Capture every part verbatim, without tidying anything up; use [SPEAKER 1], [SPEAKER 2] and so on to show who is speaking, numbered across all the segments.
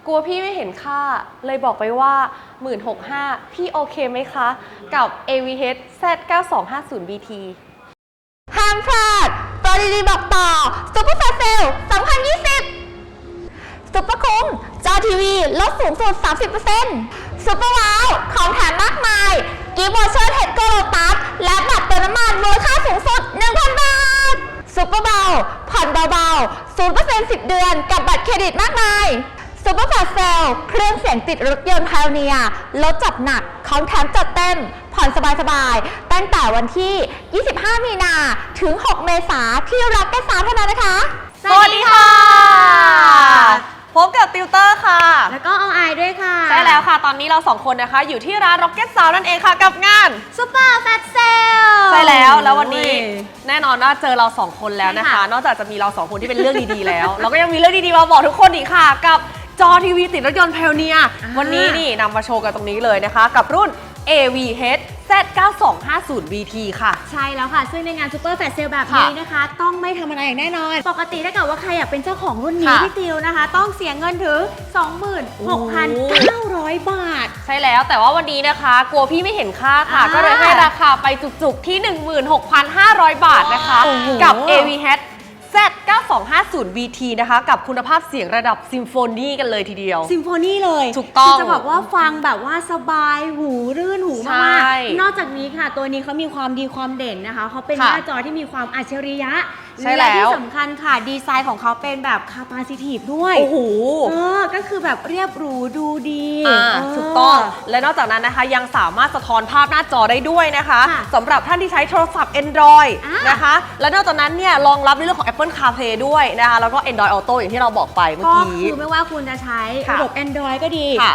[SPEAKER 1] กลัวพี่ไม่เห็นค่าเลยบอกไปว่า หนึ่งหมื่นหกพันห้าร้อย พี่โอเคไหมคะกับ เอ วี เอช แซด เก้าสองห้าศูนย์ บี ที
[SPEAKER 2] ห้ามพลาดโปรดีๆบอกต่อซุปเปอร์แฟร์เซลสองพันยี่สิบซุปเปอร์คุ้มจอทีวีลดสูงสุด สามสิบเปอร์เซ็นต์ ซุปเปอร์ว้าวของแถมมากมายกิฟต์วอเชอร์เทสโกโลตัสและบัตรเติมน้ำมันมูลค่าสูงสุด หนึ่งพัน บาทซุปเปอร์เบาผ่อนเบาๆ ศูนย์เปอร์เซ็นต์ สิบ เดือนกับบัตรเครดิตมากมายซุปเปอร์แฟร์เซลเครื่องเสียงติดรถยนต์ไพโอเนียลดจัดหนักของแถมจัดเต็มผ่อนสบายๆตั้งแต่วันที่ ยี่สิบห้า มีนาถึง หก เมษายนที่รักแก่สามเท่านั้นนะคะ
[SPEAKER 1] สวัสดีค่ะพบกับติวเตอร์ค่ะ
[SPEAKER 2] แล้วก็เอาไอด้วยค่ะ
[SPEAKER 1] ใช่แล้วค่ะตอนนี้เราสองคนนะคะอยู่ที่ร้าน Rocket Sound นั่นเองค่ะกับงาน
[SPEAKER 2] Super Fat Sale
[SPEAKER 1] ใช่แล้วแล้ววันนี้แน่นอนว่าเจอเราสองคนแล้วนะคะนอกจากจะมีเราสองคนที่เป็นเรื่องดีๆแล้วเราก็ยังมีเรื่องดีๆมาบอกทุกคนอีกค่ะกับจอทีวีติดรถยนต์ Pioneer วันนี้นี่นำมาโชว์กันตรงนี้เลยนะคะกับรุ่น เอ วี เอช แซด เก้าสองห้าศูนย์ บี ที ค่ะ
[SPEAKER 2] ใช่แล้วค่ะซึ่งในงาน Super Fat Sale แบบนี้นะคะต้องไม่ธรรมดาอย่างแน่นอนปกติถ้าเกิดว่าใครอยากเป็นเจ้าของรุ่นนี้พี่ติวนะคะต้องเสียเงินถึง สองหมื่นหกพันเก้าร้อย บาท
[SPEAKER 1] ใช่แล้วแต่ว่าวันนี้นะคะกลัวพี่ไม่เห็นค่าค่ะก็เลยให้ราคาไปจุกๆที่ หนึ่งหมื่นหกพันห้าร้อย บาทนะคะกับ เอ วี เอช แซด เก้าสองห้าศูนย์ บี ที นะคะกับคุณภาพเสียงระดับซิมโฟนีกันเลยทีเดียว
[SPEAKER 2] ซิมโฟนีเลย
[SPEAKER 1] ถูกต้อง
[SPEAKER 2] จะบอกว่าฟังแบบว่าสบายหูรื่นหูมากๆนอกจากนี้ค่ะตัวนี้เขามีความดีความเด่นนะคะเขาเป็นหน้าจอที่มีความอัจฉริยะและที่สำคัญค่ะดีไซน์ของเขาเป็นแบบ capacitive ด้วย
[SPEAKER 1] โอ้โห
[SPEAKER 2] เออก็คือแบบเรียบหรูดูดี
[SPEAKER 1] ถูกต้องและนอกจากนั้นนะคะยังสามารถสะท้อนภาพหน้าจอได้ด้วยนะคะสำหรับท่านที่ใช้โทรศัพท์ Android นะคะและนอกจากนั้นเนี่ยรองรับในเรื่องของ Apple CarPlay ด้วยนะคะแล้วก็ Android Auto อย่างที่เราบอกไปเมื่อกี้
[SPEAKER 2] ก็คือไม่ว่าคุณจะใช้ระบบ Android ก็ดี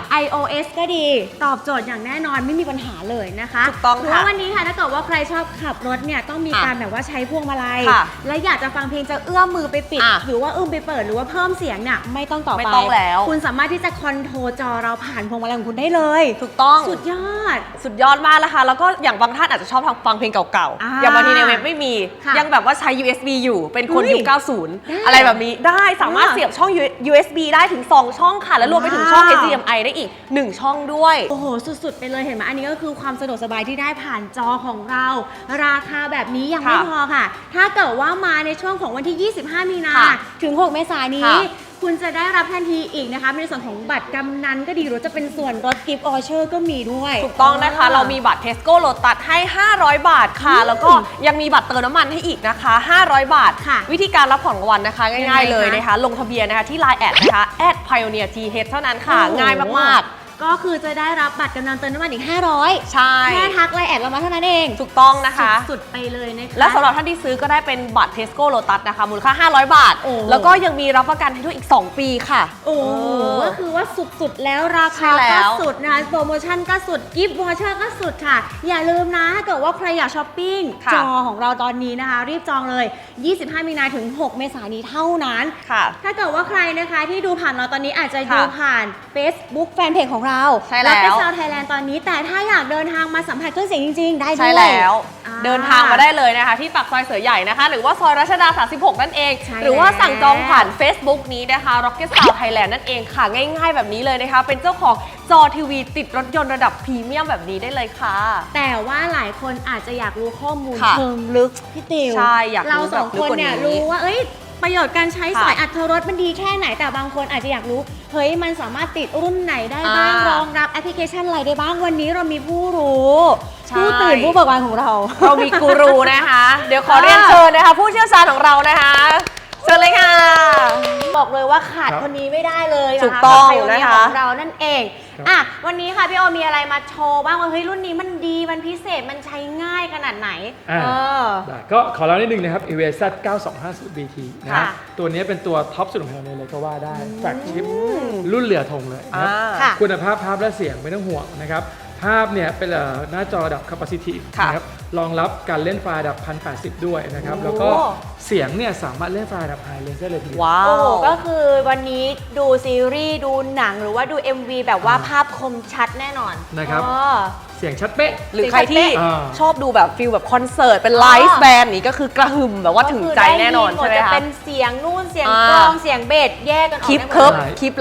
[SPEAKER 2] iOS ก็ดีตอบโจทย์อย่างแน่นอนไม่มีปัญหาเลยนะคะ
[SPEAKER 1] ถูกต้องค่ะ
[SPEAKER 2] เพราะวันนี้ค่ะถ้าเกิดว่าใครชอบขับรถเนี่ยต้องมีการแบบว่าใช้พวงมาลัยและอยากจะฟังเพลงจะเอื้อมมือไปปิดหรือว่าเอื้อมไปเปิดหรือว่าเพิ่มเสียงเนี่ยไม่ต้องต่อไป
[SPEAKER 1] ไม่ต้องแล้ว
[SPEAKER 2] คุณสามารถที่จะคอนโทรลจอเราผ่านพวงมาลัยของคุณได้เลย
[SPEAKER 1] ถูกต้อง
[SPEAKER 2] สุดยอด
[SPEAKER 1] สุดยอดมากนะคะแล้วก็อย่างบางท่านอาจจะชอบฟังเพลงเก่าๆอย่างบางทีในเว็บไม่มียังแบบว่าใช้ ยู เอส บี อยู่เป็นคนยุคเก้าสิบอะไรแบบนี้ได้สามารถเสียบช่อง ยู เอส บี ได้ถึงสองช่องค่ะและรวมไปถึงช่อง เอช ดี เอ็ม ไอ ได้อีกหนึ่งช่องด้วย
[SPEAKER 2] โอ้โหสุดๆไปเลยเห็นไหมอันนี้ก็คือความสะดวกสบายที่ได้ผ่านจอของเราราคาแบบนี้ยังไม่พอค่ะถ้าเกิดว่ามาในช่วงของวันที่ ยี่สิบห้า มีนาถึง หก เมษายนนี้คุณจะได้รับทันทีอีกนะคะในส่วนของบัตรกำนันก็ดีหรือจะเป็นส่วนลดกิฟต์วอเชอร์ก็มีด้วย
[SPEAKER 1] ถูกต้องนะคะเรามีบัตร Tesco Lotus ให้ห้าร้อยบาทค่ะแล้วก็ยังมีบัตรเติมน้ำมันให้อีกนะคะห้าร้อยบาทวิธีการรับของรางวัลนะคะง่ายๆเลยนะคะลงทะเบียนนะคะที่ ไลน์ แอดนะคะ แอด ไพโอเนียร์ ที เอช เท่านั้นค่ะง่ายมากๆ
[SPEAKER 2] ก็คือจะได้รับบัตรกำนันเติมน้ำมันอีกห้าร้อย
[SPEAKER 1] ใช่
[SPEAKER 2] แค่ทักไลน์แอดเรามาเท่านั้นเอง
[SPEAKER 1] ถูกต้องนะคะ
[SPEAKER 2] สุดไปเลยนะคะ
[SPEAKER 1] และสำหรับท่านที่ซื้อก็ได้เป็นบัตร Tesco Lotus นะคะมูลค่าห้าร้อยบาทแล้วก็ยังมีรับประกันให้ด้วยอีกสองปีค่ะ
[SPEAKER 2] โอ้ก็คือว่าสุดๆแล้วราคาก็สุดนะคะโปรโมชั่นก็สุดกิฟต์วอเชอร์ก็สุดค่ะอย่าลืมนะถ้าเกิดว่าใครอยากช้อปปิ้งจอของเราตอนนี้นะคะรีบจองเลยยี่สิบห้า มีนาถึง หก เมษายนนี้เท่านั้นถ้าเกิดว่าใครนะคะที่ดูผ่านเราตอนนี้อาจจะดูผ่าน Facebook แฟนเพจของเรา
[SPEAKER 1] ใช่แล้ว
[SPEAKER 2] ชาวไทยแลนด์ตอนนี้แต่ถ้าอยากเดินทางมาสัมผัสเครื่องเสียงจริงๆได้ด้วย
[SPEAKER 1] ใช่แล้วเดินทางมาได้เลยนะคะที่ปากซอยเสือใหญ่นะคะหรือว่าซอยรัชดาสามสิบหกนั่นเองหรือว่าสั่งจองผ่าน Facebook นี้นะคะ Rocket Sound Thailand นั่นเองค่ะง่ายๆแบบนี้เลยนะคะเป็นเจ้าของจอทีวีติดรถยนต์ระดับพรีเมียมแบบนี้ได้เลยค่ะ
[SPEAKER 2] แต่ว่าหลายคนอาจจะอยากรู้ข้อมูลเชิงลึกพี่ติว
[SPEAKER 1] ใช่อยาก
[SPEAKER 2] เราสองคนเนี่ยรู้ว่าเอ้ยประโยชน์การใช้สายอัตรสมันดีแค่ไหนแต่บางคนอาจจะอยากรู้เฮ้ยมันสามารถติดรุ่นไหนได้บ้างรองรับแอปพลิเคชันอะไรได้บ้างวันนี้เรามีผู้รู้ผู้ตื่นผู้เบิกบานของเรา
[SPEAKER 1] เรามีกูรูนะคะเดี๋ยวขอเรียนเชิญนะคะผู้เชี่ยวชาญของเรานะคะเชิญเลยค่ะ
[SPEAKER 2] บอกเลยว่าขาดคนนี้ไม่ได้เลยนะคะ
[SPEAKER 1] ถูกต้องนะคะ
[SPEAKER 2] ของเรานั่นเองอ่ะวันนี้ค่ะพี่โอมีอะไรมาโชว์บ้างว่าเฮ้ยรุ่นนี้มันดีมันพิเศษมันใช้ง่ายขนาดไหน
[SPEAKER 3] เออก็ขอเล่านิดนึงนะครับ เอ วี เอช แซด เก้าสองห้าศูนย์ บี ที นะครับตัวนี้เป็นตัวท็อปสุดของเราเลยก็ว่าได้แฟลกชิพรุ่นเหลือทงเลยนะครับคุณภาพภาพและเสียงไม่ต้องห่วงนะครับภาพเนี่ยเป็นหน้าจอระดับ capacitive นะครับรองรับการเล่นไฟล์ระดับ หนึ่งพันแปดสิบ ด้วยนะครับแล้วก็เสียงเนี่ยสามารถเล่นไฟล์ระดับ High Res ได้เลยทีเดียว
[SPEAKER 2] ว้าวก็คือวันนี้ดูซีรีส์ดูหนังหรือว่าดู เอ็ม วี แบบว่าภาพคมชัดแน่นอน
[SPEAKER 3] นะครับเสียงชัดเป๊ะ
[SPEAKER 1] หรือใครที่ชอบดูแบบฟิลแบบคอนเสิร์ตเป็นไลฟ์แบนด์นี้ก็คือกระหึ่มแบบว่าถึงใจแน่นอนใช่ไหมคะ
[SPEAKER 2] จะเป็นเสียงนู่นเสียงกลองเสียงเบสแยกกันออก
[SPEAKER 1] คลิปเคิร์ฟคลิปลับ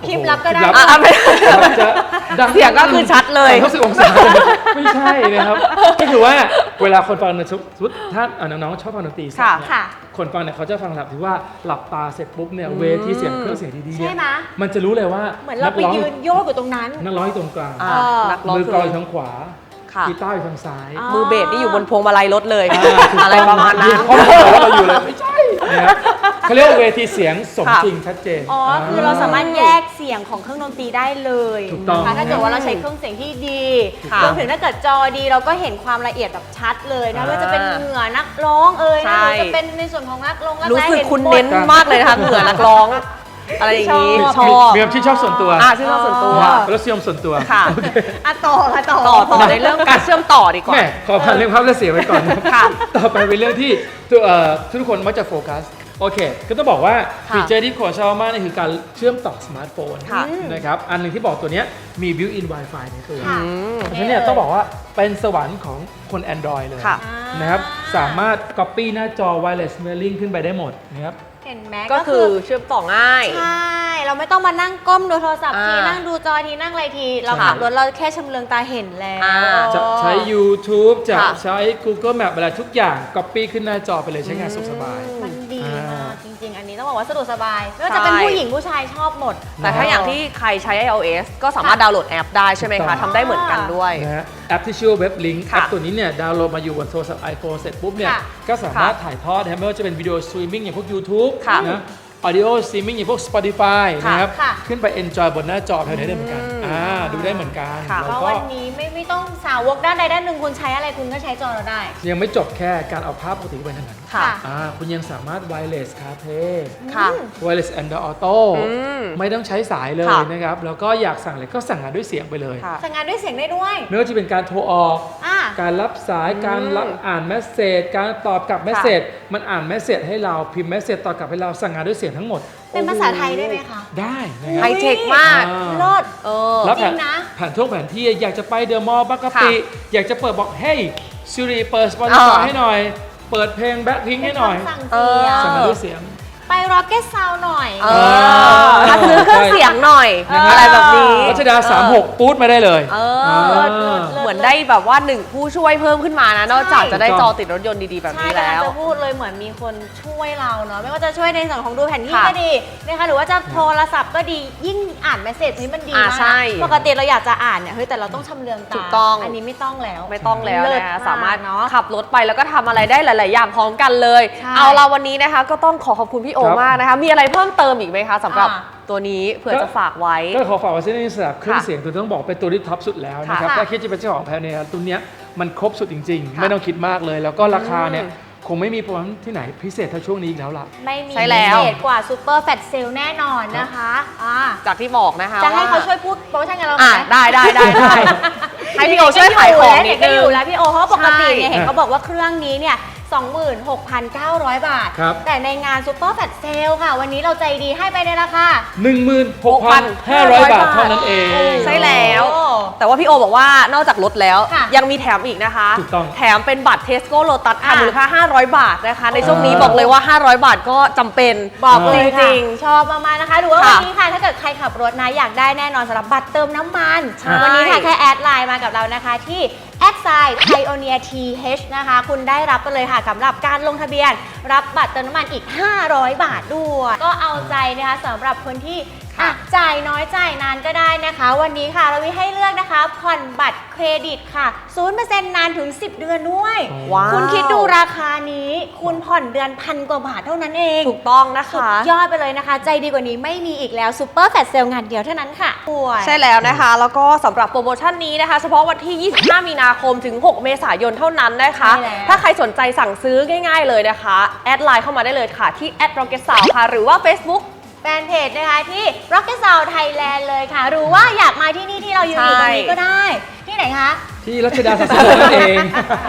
[SPEAKER 2] คลิปลับก็ได้
[SPEAKER 3] คลิป
[SPEAKER 1] อ่ะ
[SPEAKER 3] ลับ
[SPEAKER 1] ไม่
[SPEAKER 3] จะดัง
[SPEAKER 1] เสียงก็คือชัดเลย
[SPEAKER 3] สามร้อยหกสิบองศาไม่ใช่นะครับก็คือว่าเวลาคนฟังเนี่ยสมมติถ้าอ่ะน้องๆชอบฟังดนตรีสด
[SPEAKER 1] ค่ะ
[SPEAKER 3] เนี่ย
[SPEAKER 2] ค่ะ
[SPEAKER 3] คนฟังเนี่ยเขาจะฟังหลับที่ว่าหลับตาเสร็จปุ๊บเนี่ยเวทีเสียงเครื่องเสียงดีๆเนี่ย
[SPEAKER 2] ใช่ไหม
[SPEAKER 3] มันจะรู้เลยว่า
[SPEAKER 2] เหมือนเราไป
[SPEAKER 3] กร้อง
[SPEAKER 2] ยืนโยกอยู่ตรงนั้น
[SPEAKER 3] นักร้องอยู่ตรงกลาง
[SPEAKER 1] อ่านักร้อง
[SPEAKER 3] มือ
[SPEAKER 1] คื
[SPEAKER 3] กลอง
[SPEAKER 1] อ
[SPEAKER 3] อยู่ทางขวา
[SPEAKER 1] ค่ะ
[SPEAKER 3] กีตาร์อยู่ทางซ้าย
[SPEAKER 2] อ๋อ
[SPEAKER 1] มือเบสนี่อยู่บนพวงมาลัยรถเลย
[SPEAKER 3] าถูก
[SPEAKER 1] อะไรประมาณนั้น
[SPEAKER 3] ข้อมูลเราเราอยู่เลยไม่ใช่นะครับเขาเรียกว่าเวทีเสียงสม
[SPEAKER 1] ค่ะ
[SPEAKER 3] จริงชัดเจน
[SPEAKER 2] อ๋อ คือเราสามารถแยกเสียงของเครื่องดนตรีได้เลย
[SPEAKER 3] ถูกต้อง
[SPEAKER 2] นะคะถ้าเกิดว่าเราใช้เครื่องเสียงที่ดี
[SPEAKER 1] ค่ะ
[SPEAKER 2] รวมถึงถ้าเกิดจอดีเราก็เห็นความละเอียดแบบชัดเลยนะ
[SPEAKER 3] อ่า
[SPEAKER 2] ว่าจะเป็นเหงื่อนักร้องเอ่ย
[SPEAKER 1] ใช่
[SPEAKER 2] นะหรือจะเป็นในส่วนของนักร้องนัก
[SPEAKER 1] รู้
[SPEAKER 2] แสดง
[SPEAKER 1] สึก
[SPEAKER 2] ห็
[SPEAKER 1] คุณ
[SPEAKER 2] หมด
[SPEAKER 1] เน้นมากเลยนะคะเหงื่อนักร้อง อะไรอย่างนี้
[SPEAKER 2] ชอบ
[SPEAKER 1] ชอบ
[SPEAKER 3] มีความชื่นชอบส่วนตัว
[SPEAKER 1] อ่าชื่นชอบส่วนตัว
[SPEAKER 3] รสนิยมส่วนตัว
[SPEAKER 1] ค่ะ
[SPEAKER 3] โอเค
[SPEAKER 2] อ่ะต่อค่ะต่อ
[SPEAKER 1] ต่อต่อในเรื่องการเชื่อมต่อดีกว่า
[SPEAKER 3] แม่ขอผ่านเรื่องภาพและเสียงไว้ก่อนนะครับ
[SPEAKER 1] ค่ะ
[SPEAKER 3] ต่อไปเป็นเรื่องที่ตัวเอ่อทุกคนมักจะโฟกัสโอเคก็ต้องบอกว่า
[SPEAKER 1] ค่ะ
[SPEAKER 3] ฟีเจอร์ที่โคชอบมากนี่คือการเชื่อมต่อสมาร์ทโฟน
[SPEAKER 1] ค่ะ
[SPEAKER 3] นะครับอันหนึ่งที่บอกตัวเนี้ยมี built-in Wi-Fi ในตัว
[SPEAKER 2] ค่ะ
[SPEAKER 1] อืม
[SPEAKER 3] เพราะฉะนั้นเนี่ยต้องบอกว่าเป็นสวรรค์ของคน Android เลย
[SPEAKER 1] ค่ะ
[SPEAKER 3] นะครับสามารถ copy หน้าจอ wireless mirroring ขึ้นไปได้หมดนะครับ
[SPEAKER 2] เห็นไหม
[SPEAKER 1] ก็คือเชื่อมต่อง่าย
[SPEAKER 2] ใช่ เราไม่ต้องมานั่งก้มดูโทรศัพท์ที
[SPEAKER 1] อ่านั่
[SPEAKER 2] นั่งดูจอทีนั่งอะไรที เรา
[SPEAKER 3] ใช่
[SPEAKER 2] ขับรถเราแค่ชำเลืองตาเห็นแล้ว
[SPEAKER 1] อ่า
[SPEAKER 3] จะใช้ YouTube จะ
[SPEAKER 1] ค่ะ
[SPEAKER 3] ใช้ Google Map อะไรทุกอย่าง copy ขึ้นหน้าจอไปเลยใช้งานสุขสบาย
[SPEAKER 2] มันดี
[SPEAKER 3] อ่าม
[SPEAKER 2] มากจริง ๆ อันนี้ต้องบอกว่าสะดวกสบายไม่ว่าจะเป็นผู้หญิงผู้ชายชอบหมด
[SPEAKER 1] แต่ถ้าอย่างที่ใครใช้ iOS ก็สามารถดาวน์โหลดแอปได้ใช่ไหม
[SPEAKER 3] ถูกต้
[SPEAKER 1] คะ
[SPEAKER 3] อง
[SPEAKER 1] ทำได้เหมือนกันด้วย
[SPEAKER 3] นะฮะแอปที่ชื่อว่า Web Link
[SPEAKER 1] ค่ะ
[SPEAKER 3] แอปตัวนี้เนี่ยดาวน์โหลดมาอยู่บนโทรศัพท์ iPhone เสร็จปุ๊บเนี่ย
[SPEAKER 2] ค่ะ
[SPEAKER 3] ก็สามารถถ่ายทอดนะครับไม่ว่าจะเป็นวิดีโอสตรีมมิ่งอย่างพวก YouTube
[SPEAKER 1] ค่ะ
[SPEAKER 3] นะ Audio Streaming อย่างพวก Spotify
[SPEAKER 1] ค่ะ
[SPEAKER 3] นะครับ
[SPEAKER 2] ค่ะ
[SPEAKER 3] ขึ้นไป enjoy บนหน้าจอแถวนี้ได้เหมือนกัน
[SPEAKER 1] อืม
[SPEAKER 3] อ่าดูได้เหมือนกัน
[SPEAKER 1] ค่ะ
[SPEAKER 3] แล้ว
[SPEAKER 2] เพราะ
[SPEAKER 3] ก็
[SPEAKER 2] วันนี้ไม่ไม่ต้องสาวกด้านใดด้านหนึ่งคุณใช้อะไรคุณก็ใช้จอเราได้
[SPEAKER 3] ยังไม่จบแค่การเอาภาพปกติไปทางนั้น
[SPEAKER 1] ค่ะ
[SPEAKER 3] อ่าคุณยังสามารถ wireless CarPlay
[SPEAKER 1] ค่ะ
[SPEAKER 3] wireless Android Auto
[SPEAKER 1] อืม
[SPEAKER 3] ไม่ต้องใช้สายเลย
[SPEAKER 1] ค่ะ
[SPEAKER 3] นะครับแล้วก็อยากสั่งอะไรก็สั่งงานด้วยเสียงไปเลย
[SPEAKER 1] ค่ะ
[SPEAKER 2] สั่งงานด้วยเสียงได้ด้วย
[SPEAKER 3] ไม่ว่าจะเป็นการโทรออก
[SPEAKER 2] อ่า
[SPEAKER 3] การรับสาย การรับอ่านเมสเซจ การตอบกลับเมสเซจ มันอ่านเมสเซจให้เรา พิมพ์เมสเซจตอบกลับให้เรา สั่งงานด้วยเสียงทั้งหมด
[SPEAKER 2] เป็นภาษาไทยได้ไหมคะ
[SPEAKER 3] ได้นะค
[SPEAKER 1] ไฮ
[SPEAKER 3] รับ
[SPEAKER 1] เทคมาก
[SPEAKER 3] อ่า
[SPEAKER 2] เลิศ
[SPEAKER 1] เออ
[SPEAKER 3] แล้วแผ
[SPEAKER 2] จริ
[SPEAKER 3] น
[SPEAKER 2] งนะ
[SPEAKER 3] แผนท่วงแผนที่อยากจะไปเดอะมอลล์บางกะปิ
[SPEAKER 1] ค่ะ
[SPEAKER 3] อยากจะเปิดบอก เฮ้ยซิริเปิด Spotify
[SPEAKER 1] อ่า
[SPEAKER 3] ให้หน่อย เปิดเพลงแบ็คพิงให้หน่อย
[SPEAKER 2] สั่ง
[SPEAKER 1] เอ
[SPEAKER 2] เสี
[SPEAKER 1] อ
[SPEAKER 2] ยง
[SPEAKER 3] สั่งงานด้วยเสียง
[SPEAKER 2] ไป Rocket Sound หน่อย
[SPEAKER 1] เออถ้าซื้อเครื่องเสียงหน่อย
[SPEAKER 3] นะฮะ
[SPEAKER 1] อะไรแบบนี้
[SPEAKER 3] รัชดาสามหกปู๊ดมาได้เลย
[SPEAKER 1] เอ
[SPEAKER 3] อ่า
[SPEAKER 1] อ เหมือนได้แบบว่าหนึ่งผู้ช่วยเพิ่มขึ้นมานะ นอกจากจะได้จอติดรถยนต์ดีๆแบบ
[SPEAKER 2] ใช่
[SPEAKER 1] นี้
[SPEAKER 2] กำลั
[SPEAKER 1] แล้
[SPEAKER 2] ง
[SPEAKER 1] ว
[SPEAKER 2] จะพูดเลยเหมือนมีคนช่วยเราเนาะไม่ว่าจะช่วยในส่วนของดูแผนที่
[SPEAKER 1] ค่ะ
[SPEAKER 2] ก็ดีนะคะหรือว่าจะโทรศัพท์ก็ดียิ่งอ่านเมสเซจนี้มันดี
[SPEAKER 1] อ่าม
[SPEAKER 2] าก
[SPEAKER 1] ใช่
[SPEAKER 2] ปกติเราอยากจะอ่านเนี่ยเฮ้ยแต่เราต้องชำเลืองตา
[SPEAKER 1] ถูกต้อง
[SPEAKER 2] อันนี้ไม่ต้องแล้ว
[SPEAKER 1] ไม่ต้องแล้ว
[SPEAKER 2] เลิศ
[SPEAKER 1] นะคะ
[SPEAKER 2] มาก
[SPEAKER 1] สามารถ
[SPEAKER 2] เนาะ
[SPEAKER 1] ขับรถไปแล้วก็ทำอะไรได้หลาย ๆ อย่างพร้อมกันเลย
[SPEAKER 2] ใช่
[SPEAKER 1] เอาละวันนี้นะคะ ก็ต้องขอขอบคุณพี่โอ
[SPEAKER 3] ครับ
[SPEAKER 1] มากนะคะ มีอะไรเพิ่มเติมอีกไหมคะสำหรับ
[SPEAKER 2] อ่า
[SPEAKER 1] ตัวนี้เผื่อจะฝากไว้
[SPEAKER 3] ก็ขอฝากไว้ในสำหรับเครื่อง
[SPEAKER 1] ค่ะ
[SPEAKER 3] เสียงตัวต้องบอกเป็นตัวที่ท็อปสุดแล้วนะครับ
[SPEAKER 2] ค่ะ
[SPEAKER 3] ถ้าคิดจะเป็นเจ้าของแพลเนี่ยตัวเนี้ยมันครบสุดจริง ๆ
[SPEAKER 1] ค่ะ
[SPEAKER 3] ไม่ต้องคิดมากเลย แล้วก็ราคาเนี่ย
[SPEAKER 1] อืม
[SPEAKER 3] คงไม่มีโปรโมชั่นที่ไหนพิเศษเท่าช่วงนี้อีกแล้วล่ะ
[SPEAKER 2] ไม่มี
[SPEAKER 1] ใช่แล้ว
[SPEAKER 2] พิเศษกว่าซูเปอร์แฟตเซลแน่นอนนะคะอ่า
[SPEAKER 1] จากที่บอกนะคะ
[SPEAKER 2] จะให้
[SPEAKER 1] ว่
[SPEAKER 2] เขาช่วยพูดโปรโมชั่นกับเราไหม
[SPEAKER 1] อ่ะได้ได้ได้ได้ ให้พี่โอช่วยขายของนิด
[SPEAKER 2] ก็
[SPEAKER 1] นึ
[SPEAKER 2] อง ยู่แล้วพี่โอเพราะปกติเนี่ย
[SPEAKER 1] ใช่
[SPEAKER 2] เห็นเขาบอกว่าเครื่องนี้เนี่ย สองหมื่นหกพันเก้าร้อย บาท
[SPEAKER 3] ครับ
[SPEAKER 2] แต่ในงานซูเปอร์แฟตเซลค่ะ วันนี้เราใจดีให้ไปในราคา
[SPEAKER 3] หนึ่งหมื่นหกพันห้าร้อย บาทเท่านั้นเอง
[SPEAKER 1] ใช่แล้ว
[SPEAKER 2] โอ้
[SPEAKER 1] แต่ว่าพี่โอบอกว่านอกจากลดแล้ว
[SPEAKER 2] ค่ะ
[SPEAKER 1] ยังมีแถมอีกนะคะ
[SPEAKER 3] ถูกต้อง
[SPEAKER 1] แถมเป็นบัตรเทสโก้โลตัสค่ะ
[SPEAKER 2] อ่ะ
[SPEAKER 1] มูลค่า ห้าร้อย บาทนะคะ ในช่วงนี้
[SPEAKER 3] อ่า
[SPEAKER 1] บอกเลยว่า ห้าร้อย บาทก็จำเป็น
[SPEAKER 2] บอกเลย
[SPEAKER 1] จ
[SPEAKER 2] ค่ะ
[SPEAKER 1] ริง
[SPEAKER 2] ชอบมากๆนะคะ หรือว่า
[SPEAKER 1] ค่ะ
[SPEAKER 2] วันนี้ค่ะ ถ้าเกิดใครขับรถนะ อยากได้แน่นอนสำหรับบัตรเติมน้ำมัน
[SPEAKER 1] ใช่
[SPEAKER 2] วันนี้ค่ะแค่แอดไลน์มากับเรานะคะที่แอดไซน์ไพโอเนียทีเฮนะคะ คุณได้รับไปเลยค่ะสำหรับการลงทะเบียน รับบัตรเติมน้ำมันอีก ห้าร้อย บาทด้วย ก็เอาใจนะคะสำหรับคนที่อ่ะจ่ายน้อยจ่ายนานก็ได้นะคะ วันนี้ค่ะเรามีให้เลือกนะคะผ่อนบัตรเครดิตค่ะ ศูนย์เปอร์เซ็นต์ นานถึง สิบ เดือนด้วย
[SPEAKER 1] ว้าว
[SPEAKER 2] คุณคิดดูราคานี้ คุณผ่อนเดือนพันกว่าบาทเท่านั้นเอง
[SPEAKER 1] ถูกต้องนะ
[SPEAKER 2] สุด
[SPEAKER 1] คะ
[SPEAKER 2] ยอดไปเลยนะคะ ใจดีกว่านี้ไม่มีอีกแล้วซูเปอร์แฟลชเซลงานเดียวเท่านั้นค่ะป่วย
[SPEAKER 1] ใช่แล้วนะคะ แล้วก็สำหรับโปรโมชั่นนี้นะคะ เฉพาะวันที่ ยี่สิบห้า มีนาคมถึง หก เมษายนเท่านั้นนะคะ
[SPEAKER 2] ใช่แล้ว
[SPEAKER 1] ถ้าใครสนใจสั่งซื้อง่ายๆเลยนะคะ แอดไลน์เข้ามาได้เลยค่ะ ที่ แอท Rocket Sound ค่ะ หรือว่า Facebook
[SPEAKER 2] แฟนเพจนะคะที่ Rocket Sound Thailand เลยค่ะ หรือว่าอยากมาที่นี่ที่เราอยู่อยู่ตรงนี้ก็ได้ ที่ไหนคะ
[SPEAKER 3] ที่รัชดาสามสิบหกนั่นเอง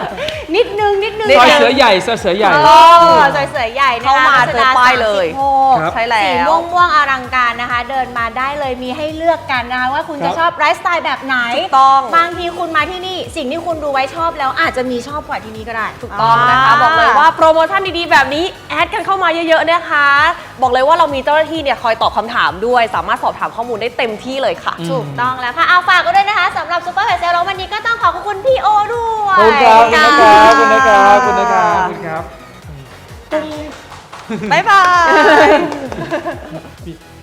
[SPEAKER 4] นิดนึงนิดนึง
[SPEAKER 3] ซอยเสือใหญ่ซอยเสือใหญ่
[SPEAKER 4] เออซอยเสือใหญ่นะคะ
[SPEAKER 1] เข้ามาเจอป้ายเลย
[SPEAKER 4] รัชดาสามสิบหก
[SPEAKER 3] ครับ
[SPEAKER 1] ใช่แล้ว
[SPEAKER 4] สีม่วงม่วงๆอลังการนะคะ เดินมาได้เลยมีให้เลือกกันนะคะว่าคุณ
[SPEAKER 3] ครั
[SPEAKER 4] จะ
[SPEAKER 3] บ
[SPEAKER 4] ชอบไลฟ์สไตล์แบบไหน
[SPEAKER 1] ถูกต้อง
[SPEAKER 4] บางทีคุณมาที่นี่สิ่งที่คุณดูไว้ชอบแล้วอาจจะมีชอบกว่าที่นี่ก็ได้
[SPEAKER 1] ถูกต้องนะคะบอกเลยว่าโปรโมชั่นดีๆแบบนี้แอดกันเข้ามาเยอะๆนะคะ บอกเลยว่าเรามีเจ้าหน้าที่เนี่ยคอยตอบคำถามด้วย สามารถสอบถามข้อมูลได้เต็มที่เลยค่ะ
[SPEAKER 4] ถูกต้องแล้วค่ะเอาฝากก็ด้วยนะคะสำหรับซุปเปอร์ไฮเซลแล้ววันนี้ก็ต้องขอขอบคุณพี่โอด้วย
[SPEAKER 3] ขอบคุณครับขอบคุณนะครับขอบคุณนะครับขอบคุณนะครับขอบคุณครับ
[SPEAKER 1] บ๊ายบาย